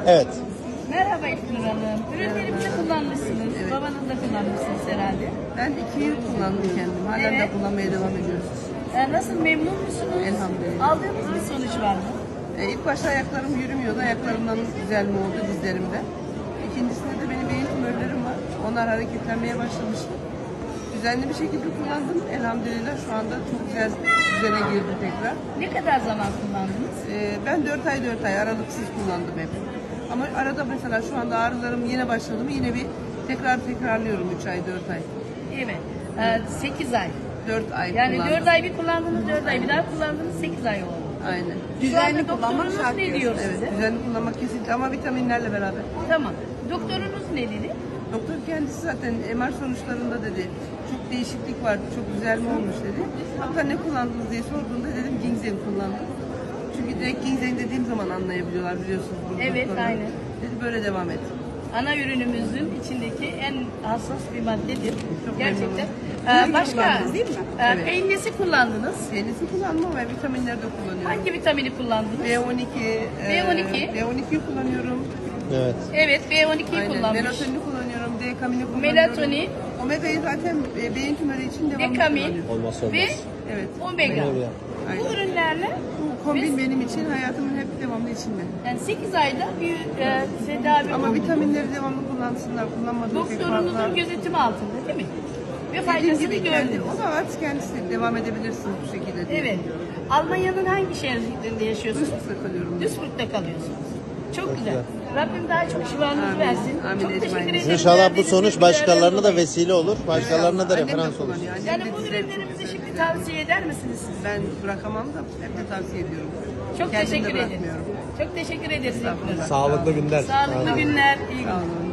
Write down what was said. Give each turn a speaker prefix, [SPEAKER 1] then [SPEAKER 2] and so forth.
[SPEAKER 1] Evet.
[SPEAKER 2] Merhaba İlknur Hanım. Ürünlerimizi kullanmışsınız.
[SPEAKER 3] Evet.
[SPEAKER 2] Babanız da kullanmışsınız herhalde.
[SPEAKER 3] Ben 2 yıl kullandım kendim. Halen de
[SPEAKER 2] Evet.
[SPEAKER 3] kullanmaya devam ediyoruz.
[SPEAKER 2] Nasıl, memnun musunuz?
[SPEAKER 3] Elhamdülillah.
[SPEAKER 2] Aldığınız bir sonuç var mı?
[SPEAKER 3] İlk başta ayaklarım yürümüyordu. Ayaklarımdan güzel mi oldu dizlerimde. İkincisinde de benim beyin tümörlerim var. Onlar hareketlenmeye başlamıştı. Düzenli bir şekilde kullandım. Elhamdülillah şu anda çok güzel düzene girdi tekrar.
[SPEAKER 2] Ne kadar zaman kullandınız?
[SPEAKER 3] Ben 4 ay aralıksız kullandım hep. Ama arada mesela şu anda ağrılarım yine başladı mı yine bir tekrarlıyorum 3 ay 4 ay.
[SPEAKER 2] Evet. 8 ay.
[SPEAKER 3] 4 ay
[SPEAKER 2] Yani
[SPEAKER 3] kullandım.
[SPEAKER 2] 4 ay bir kullandınız, 4 ay bir daha kullandınız, 8 ay oldu.
[SPEAKER 3] Aynen.
[SPEAKER 2] Düzenli kullanmak şart ne diyor
[SPEAKER 3] Evet,
[SPEAKER 2] size?
[SPEAKER 3] düzenli kullanmak kesinlikle ama vitaminlerle beraber.
[SPEAKER 2] Tamam. Doktorunuz ne dedi?
[SPEAKER 3] Doktor kendisi zaten MR sonuçlarında dedi, çok değişiklik var, çok güzel mi olmuş dedi. Hatta ne kullandınız diye sorduğunda dedim ginseng kullandım. Çünkü direkt ginseng dediğim zaman anlayabiliyorlar biliyorsunuz. Bu
[SPEAKER 2] Evet,
[SPEAKER 3] doktorlar.
[SPEAKER 2] aynen.
[SPEAKER 3] Dedi böyle devam et.
[SPEAKER 2] Ana ürünümüzün içindeki en hassas bir maddedir.
[SPEAKER 3] Çok
[SPEAKER 2] Gerçekten.
[SPEAKER 3] memnunum.
[SPEAKER 2] Başka
[SPEAKER 3] kullandınız değil mi? Evet.
[SPEAKER 2] peynirsi kullandınız.
[SPEAKER 3] Kendisi kullanmam ve vitaminleri de kullanıyorum.
[SPEAKER 2] Hangi vitamini kullandınız?
[SPEAKER 3] B12,
[SPEAKER 2] B12.
[SPEAKER 3] B12'yi kullanıyorum.
[SPEAKER 1] Evet.
[SPEAKER 2] Evet, B12'yi
[SPEAKER 3] Aynen.
[SPEAKER 2] kullanmış.
[SPEAKER 3] Melatonin kullanıyorum, D-kamini kullanıyorum.
[SPEAKER 2] Melatonin.
[SPEAKER 3] Omega'yı zaten beyin tümörü için devamlı
[SPEAKER 2] Dekamin
[SPEAKER 3] kullanıyorum.
[SPEAKER 1] Olmazsa olmaz.
[SPEAKER 2] ve
[SPEAKER 3] Evet.
[SPEAKER 2] omega.
[SPEAKER 1] Omega.
[SPEAKER 2] Bu
[SPEAKER 3] Aynen.
[SPEAKER 2] ürünlerle
[SPEAKER 3] Bu kombin benim için hayatımın hep devamlı içinde.
[SPEAKER 2] yani 8 ayda bir tedavi
[SPEAKER 3] Ama
[SPEAKER 2] oldu.
[SPEAKER 3] vitaminleri devamlı kullansınlar, kullanmadığı pek fazla.
[SPEAKER 2] Doktorunuzun gözetimi altında değil mi? Ve
[SPEAKER 3] Dediğim
[SPEAKER 2] faydasını
[SPEAKER 3] gibi kendi,
[SPEAKER 2] gördünüz.
[SPEAKER 3] o da artık kendisi devam edebilirsiniz bu şekilde diye.
[SPEAKER 2] Evet. Almanya'nın hangi şehrinde yaşıyorsunuz?
[SPEAKER 3] Duysuzda kalıyorum.
[SPEAKER 2] Duisburg'da kalıyorsunuz. Çok güzel. Rabbim daha çok şifanızı
[SPEAKER 3] Amin.
[SPEAKER 2] versin.
[SPEAKER 3] Amin.
[SPEAKER 2] Çok teşekkür
[SPEAKER 3] Ecmaîn.
[SPEAKER 2] ederim.
[SPEAKER 1] İnşallah bu
[SPEAKER 2] Verdiğiniz
[SPEAKER 1] sonuç
[SPEAKER 2] bilgilerden
[SPEAKER 1] başkalarına da
[SPEAKER 2] dolayı.
[SPEAKER 1] vesile olur. Başkalarına da
[SPEAKER 3] Annem de
[SPEAKER 1] referans olur.
[SPEAKER 3] kullanıyor, annem
[SPEAKER 2] Yani
[SPEAKER 3] de
[SPEAKER 2] bu
[SPEAKER 3] dizleri çok
[SPEAKER 2] ürünlerimizi
[SPEAKER 3] güzel.
[SPEAKER 2] şimdi tavsiye eder misiniz siz?
[SPEAKER 3] Ben bırakamam da hep de tavsiye ediyorum.
[SPEAKER 2] Çok
[SPEAKER 3] Kendim de
[SPEAKER 2] teşekkür ederim.
[SPEAKER 3] bırakmıyorum.
[SPEAKER 2] Çok teşekkür ederiz.
[SPEAKER 3] Estağfurullah.
[SPEAKER 1] Sağlıklı günler.
[SPEAKER 2] Sağlıklı günler. İyi günler.
[SPEAKER 3] Sağ olun.